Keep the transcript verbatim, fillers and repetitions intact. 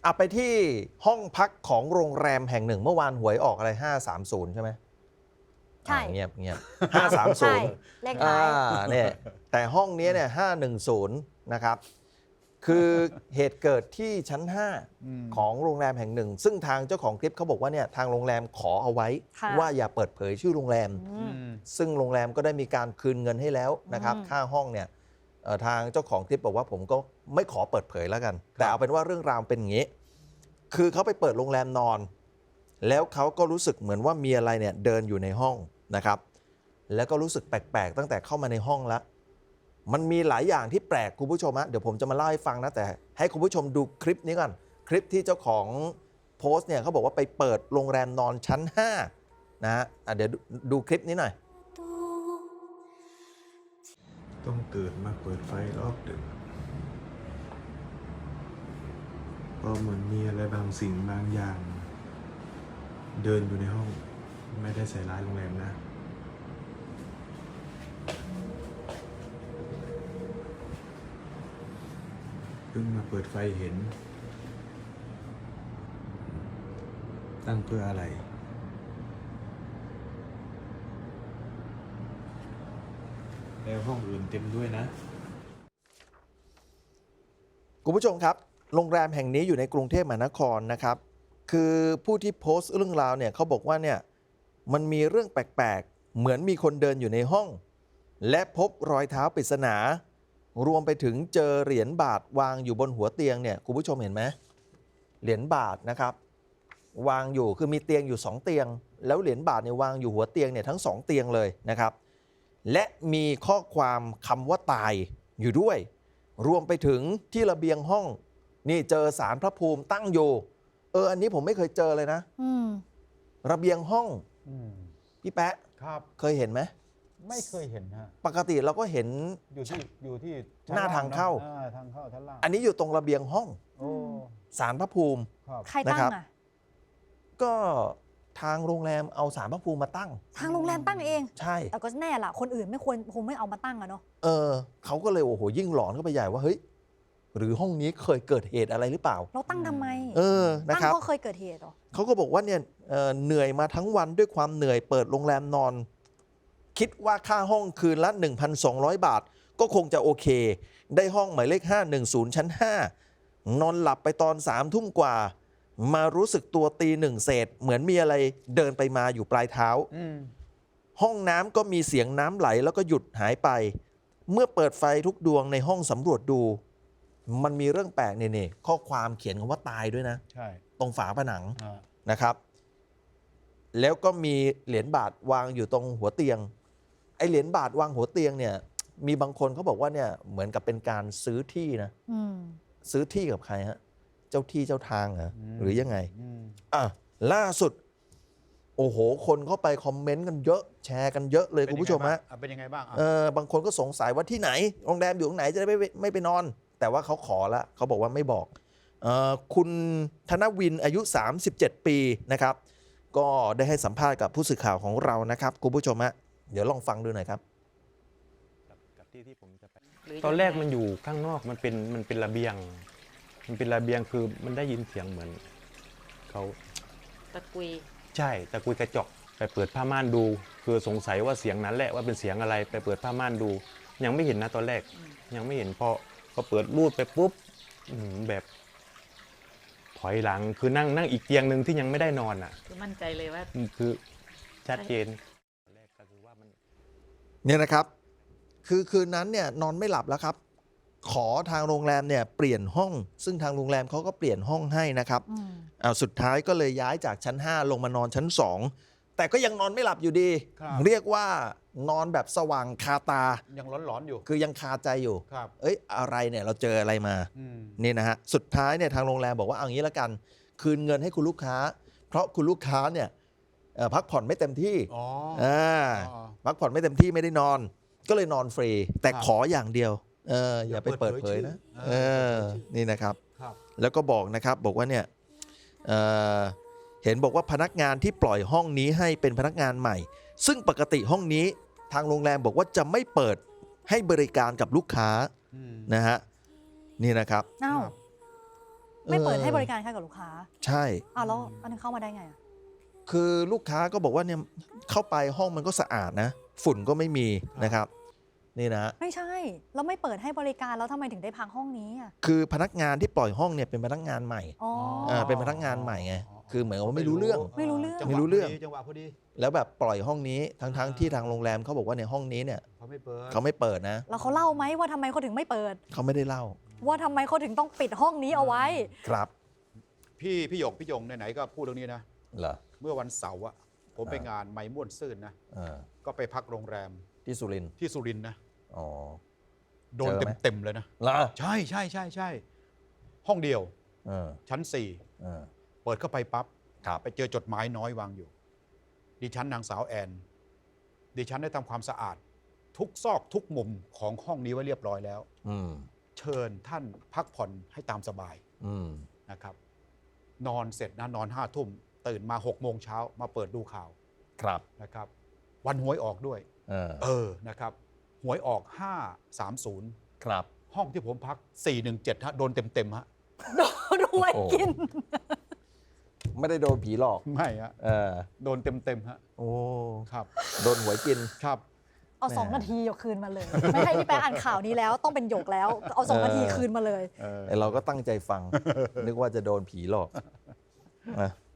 เอาไปที่ห้องพักของโรงแรมแห่งหนึ่งเมื่อวานหวยออกอะไรห้าสามศูนย์ใช่ไหมใช่เงียบเงียบห้าสามศูใช่นย์เลขอ่าท้ายเนี่ยแต่ห้องนี้เนี่ยห้าหนึ่งศูนย์นะครับคือเหตุเกิดที่ชั้นห้าของโรงแรมแห่งหนึ่งซึ่งทางเจ้าของคลิปเขาบอกว่าเนี่ยทางโรงแรมขอเอาไว้ค่ะว่าอย่าเปิดเผยชื่อโรงแรมอืมซึ่งโรงแรมก็ได้มีการคืนเงินให้แล้วนะครับอืมค่าห้องเนี่ยเอ่อทางเจ้าของคลิปบอกว่าผมก็ไม่ขอเปิดเผยแล้วกัน แต่เอาเป็นว่าเรื่องราวเป็นอย่างนี้ คือเขาไปเปิดโรงแรมนอน แล้วเขาก็รู้สึกเหมือนว่ามีอะไรเนี่ยเดินอยู่ในห้องนะครับ แล้วก็รู้สึกแปลกๆตั้งแต่เข้ามาในห้องแล้ว มันมีหลายอย่างที่แปลกคุณผู้ชมฮะเดี๋ยวผมจะมาเล่าให้ฟังนะแต่ให้คุณผู้ชมดูคลิปนี้ก่อนคลิปที่เจ้าของโพสต์เนี่ยเขาบอกว่าไปเปิดโรงแรมนอนชั้นห้านะฮะอ่ะเดี๋ยวดูดูคลิปนี้หน่อยต้องเกิดมาเปิดไฟรอบดึกเพราะเหมือนมีอะไรบางสิ่งบางอย่าง เดินอยู่ในห้อง ไม่ได้ใส่ร้ายโรงแรมนะเพิ่งมาเปิดไฟเห็น ตั้งเพื่ออะไรแล้วห้องอื่นเต็มด้วยนะคุณผู้ชมครับ โรงแรมแห่งนี้อยู่ในกรุงเทพมหานครนะครับ คือผู้ที่โพสต์เรื่องราวเนี่ยเขาบอกว่าเนี่ยมันมีเรื่องแปลกๆ เหมือนมีคนเดินอยู่ในห้อง และพบรอยเท้าปริศนา รวมไปถึงเจอเหรียญบาทวางอยู่บนหัวเตียงเนี่ยคุณผู้ชมเห็นไหมเหรียญบาทนะครับ วางอยู่คือมีเตียงอยู่สองเตียง แล้วเหรียญบาทเนี่ยวางอยู่หัวเตียงเนี่ยทั้งสองเตียงเลยนะครับ และมีข้อความคำว่าตายอยู่ด้วย รวมไปถึงที่ระเบียงห้องนี่เจอสารพระภูมิตั้งอยู่เอออันนี้ผมไม่เคยเจอเลยนะอืมระเบียงห้องอืมพี่แป๊ะครับเคยเห็นไหมไม่เคยเห็นฮะปกติเราก็เห็นอยู่ที่อยู่ที่หน้าทางเข้าอ่ทางเข้าชั้นล่างอันนี้อยู่ตรงระเบียงห้องโอ้สารพระภูมิครับใครตั้งนะครับอ่ะก็ทางโรงแรมเอาสารพระภูมิมาตั้งทางโรงแรมตั้งเองใช่แต่ก็แน่ล่ะ คนอื่นไม่ควรคงไม่เอามาตั้งอะเนาะเออเขาก็เลยโอ้โหยิ่งหลอนเข้าไปใหญ่ว่าเฮ้ยหรือห้องนี้เคยเกิดเหตุอะไรหรือเปล่าเราตั้งทำไมเออนะตั้งครับเพราะเคยเกิดเหตุเหรอเขาก็บอกว่าเนี่ยเอ่อเหนื่อยมาทั้งวันด้วยความเหนื่อยเปิดโรงแรมนอน คิดว่าค่าห้องคืนละ หนึ่งพันสองร้อย บาท ก็คงจะโอเค ได้ห้องหมายเลขห้าหนึ่งศูนย์ชั้นห้านอนหลับไปตอนสามทุ่มกว่า มารู้สึกตัวตีหนึ่งเศษ เหมือนมีอะไรเดินไปมาอยู่ปลายเท้าอืมห้องน้ำก็มีเสียงน้ำไหลแล้วก็หยุดหายไป เมื่อเปิดไฟทุกดวงในห้องสำรวจดู มันมีเรื่องแปลกเนี่ยข้อความเขียนคำว่าตายด้วยนะใช่ตรงฝาผนังอ่านะครับ แล้วก็มีเหรียญบาทวางอยู่ตรงหัวเตียง ไอเหรียญบาทวางหัวเตียงเนี่ย มีบางคนเขาบอกว่าเนี่ยเหมือนกับเป็นการซื้อที่นะอืมซื้อที่กับใครฮะ เจ้าที่เจ้าทางเหรอหรือยังไงอืมอ่ะล่าสุด โอ้โห คนเข้าไปคอมเมนต์กันเยอะ แชร์กันเยอะเลยคุณผู้ชมฮะอ่เป็นยังไงบ้างอ่ะเออบางคนก็สงสัยว่าที่ไหน โรงแรมอยู่ตรงไหนจะได้ไม่ไม่ไปนอน แต่ว่าเขาขอละเขาบอกว่าไม่บอกเออคุณธนวินอายุ สามสิบเจ็ด ปีนะครับ ก็ได้ให้สัมภาษณ์กับผู้สื่อข่าวของเรานะครับคุณผู้ชมฮะเดี๋ยวลองฟังดูหน่อยครับกับที่ที่ผมจะไปตอนแรกมันอยู่ข้างนอกมันเป็นมันเป็นระเบียง มันเป็นระเบียงคือมันได้ยินเสียงเหมือนเขาตะกุยใช่ตะกุยกระจกไปเปิดผ้าม่านดู คือสงสัยว่าเสียงนั้นแหละว่าเป็นเสียงอะไรไปเปิดผ้าม่านดู ยังไม่เห็นนะตอนแรก ยังไม่เห็นพอพอเปิดรูดไปปุ๊บอื้อหือแบบถอยหลังคือนั่งนั่งอีกเตียงหนึ่งที่ยังไม่ได้นอนอ่ะคือมั่นใจเลยว่าคือชัดเจนตอนแรกก็คือว่ามันเนี่ยนะครับ คือคืนนั้นเนี่ยนอนไม่หลับแล้วครับ ขอทางโรงแรมเนี่ยเปลี่ยนห้อง ซึ่งทางโรงแรมเขาก็เปลี่ยนห้องให้นะครับอืมเอาสุดท้ายก็เลยย้ายจากชั้น ห้า ลงมานอนชั้น สอง แต่ก็ยังนอนไม่หลับอยู่ดีครับเรียกว่านอนแบบสว่างคาตายังร้อนๆอยู่คือยังคาใจอยู่ครับเอ้ยอะไรเนี่ยเราเจออะไรมาอืมนี่นะฮะ สุดท้ายเนี่ยทางโรงแรมบอกว่าเอางี้ละกัน คืนเงินให้คุณลูกค้า เพราะคุณลูกค้าเนี่ยเอ่อพักผ่อนไม่เต็มที่อ๋ออ่าอ๋อพักผ่อนไม่เต็มที่ไม่ได้นอน ก็เลยนอนฟรี แต่ครับขออย่างเดียวเอออย่าไปเปิดเผยนะอย่าเอเปิดเผยชื่ออเออนี่นะครับครับแล้วก็บอกนะครับบอกว่าเนี่ยเอ่อเห็นบอกว่าพนักงานที่ปล่อยห้องนี้ให้เป็นพนักงานใหม่ ซึ่งปกติห้องนี้ทางโรงแรมบอกว่าจะไม่เปิดให้บริการกับลูกค้าอืมนะฮะนี่นะครับเอ้าครับไม่เปิดเออให้บริการค่ะกับลูกค้าใช่อ้าวแล้วอันนี้เข้ามาได้ไงอะคือลูกค้าก็บอกว่าเนี่ยเข้าไปห้องมันก็สะอาดนะ ฝุ่นก็ไม่มีนะครับ นี่นะไม่ใช่แล้วไม่เปิดให้บริการแล้วทำไมถึงได้พังห้องนี้อะคือพนักงานที่ปล่อยห้องเนี่ยเป็นพนักงานใหม่อ๋ออ่าเป็นพนักงานใหม่ไง คือเหมือนกับว่าไม่รู้เรื่องไม่รู้เรื่องจัหวะไม่รู้เรื่องพดีจังหวะพอดีแล้วแบบปล่อยห้องนี้ทั้งๆที่ทางโรงแรมเขาบอกว่าในห้องนี้เนี่ยเขาไม่เปิดเขาไม่เปิดนะแล้วเขาเล่าไหมว่าทำไมเขาถึงไม่เปิดเขาไม่ได้เล่าว่าทำไมเขาถึงต้องปิดห้องนี้เอาไว้ครับพี่พี่หยกพี่ยงไหนๆก็พูดเรื่องนี้นะเหรอเมื่อวันเสาร์อะผมไปอ่างงานไม้ม่วนซื่นนะเออก็ไปพักโรงแรมที่สุรินทร์ที่สุรินทร์นะอ๋อโดนเจอไหมเต็มๆเลยนะเหรอใช่ใช่ใช่ใช่ห้องเดียวเออชั้นสี่เออเปิดเข้าไปปั๊บครับไปเจอจดหมายน้อยวางอยู่ ดิฉันนางสาวแอน ดิฉันได้ทำความสะอาด ทุกซอกทุกมุมของห้องนี้ไว้เรียบร้อยแล้วอืมเชิญท่านพักผ่อนให้ตามสบายอืมนะครับ นอนเสร็จนะนอนห้าทุ่มตื่นมาหกโมงเช้ามาเปิดดูข่าวครับนะครับ วันหวยออกด้วยเออเออ นะครับ หวยออก ห้าสามศูนย์ครับห้องที่ผมพัก สี่หนึ่งเจ็ด ฮะ โดนเต็มๆ ฮะโดนรวยโอ้กินไม่ได้โดนผีหลอกไม่ฮะเออโดนเต็มๆ ฮะโอ้ครับโดนหวยกินครับเอาสองนาทีหยกคืนมาเลย ไม่ให้พี่แป๊ะอ่านข่าวนี้แล้วต้องเป็นหยกแล้ว เอาสองเออนาทีคืนมาเลยเออไอเราก็ตั้งใจฟัง นึกว่าจะโดนผีหลอกนะ